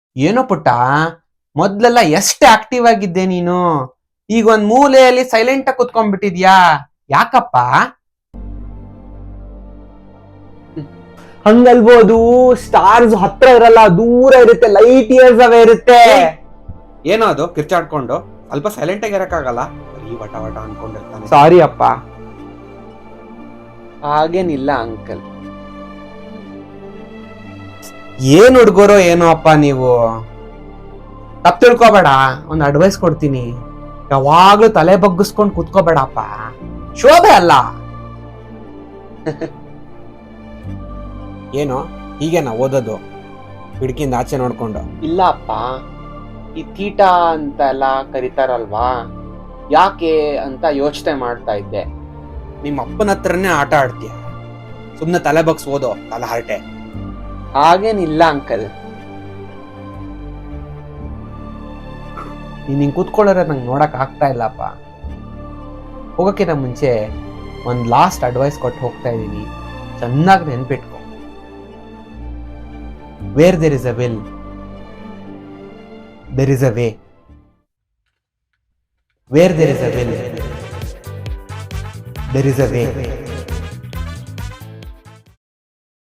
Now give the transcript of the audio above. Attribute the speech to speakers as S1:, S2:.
S1: ಏನೋ ಪುಟ್ಟ, ಮೊದ್ಲೆಲ್ಲ ಎಷ್ಟು ಆಕ್ಟಿವ್ ಆಗಿದ್ದೆ ನೀನು, ಈಗ ಒಂದ್ ಮೂಲೆಯಲ್ಲಿ ಸೈಲೆಂಟ್ ಆಗಿ ಕುತ್ಕೊಂಡ್ಬಿಟ್ಟಿದ್ಯಾ, ಯಾಕಪ್ಪ?
S2: ಹಂಗಲ್ಬೋದು, ಸ್ಟಾರ್ಸ್ ಹತ್ರ ಇರಲ್ಲ, ದೂರ ಇರುತ್ತೆ, ಲೈಟ್ ಇಯರ್ಸ್ ಅವೇ ಇರುತ್ತೆ.
S1: ಏನೋ ಅದು ಕಿರ್ಚಾಡ್ಕೊಂಡು ಸ್ವಲ್ಪ ಸೈಲೆಂಟ್ ಆಗಿ ಇರಕ್ಕಾಗಲ್ಲ, ಬರೀ ವಟ ವಟ ಅನ್ಕೊಂಡಿರ್ತಾನೆ.
S2: ಸಾರಿ ಅಪ್ಪ.
S1: ಹಾಗೇನಿಲ್ಲ ಅಂಕಲ್. ಏನ್ ಹುಡ್ಗೋರೋ ಏನೋ ಅಪ್ಪ ನೀವು, ತಪ್ಪು ತಿಳ್ಕೊಬೇಡ, ಒಂದ್ ಅಡ್ವೈಸ್ ಕೊಡ್ತೀನಿ. ಯಾವಾಗ್ಲೂ ತಲೆ ಬಗ್ಗಿಸ್ಕೊಂಡು ಕುತ್ಕೋಬೇಡಪ್ಪ, ಶೋಭೆ ಅಲ್ಲ. ಏನೋ ಹೀಗೇನಾ ಓದೋದು, ಕಿಟಕಿಯಿಂದ ಆಚೆ ನೋಡ್ಕೊಂಡು?
S3: ಇಲ್ಲ ಅಪ್ಪ, ಈ ತೀಟ ಅಂತ ಎಲ್ಲ ಕರೀತಾರಲ್ವಾ, ಯಾಕೆ ಅಂತ ಯೋಚನೆ ಮಾಡ್ತಾ ಇದ್ದೆ.
S1: ನಿಮ್ಮ ಅಪ್ಪನ ಹತ್ರನೇ ಆಟ ಆಡ್ತೀಯ, ಸುಮ್ನೆ ತಲೆ ಬಗ್ಸ್ ಓದೋ, ತಲೆ ಹರಟೆ.
S3: ಹಾಗೇನಿಲ್ಲ ಅಂಕಲ್.
S1: ನೀನ್ ಹಿಂಗ್ ಕೂತ್ಕೊಳ್ಳೋರೆ ನಂಗೆ ನೋಡಕ್ ಆಗ್ತಾ ಇಲ್ಲಪ್ಪ. ಹೋಗಕ್ಕಿಂತ ಮುಂಚೆ ಒಂದ್ ಲಾಸ್ಟ್ ಅಡ್ವೈಸ್ ಕೊಟ್ಟು ಹೋಗ್ತಾ ಇದೀನಿ, ಚೆನ್ನಾಗಿ ನೆನ್ಪಿಟ್ಕೊ. Where there is a will, there is a way. Where there is a will, there is a way.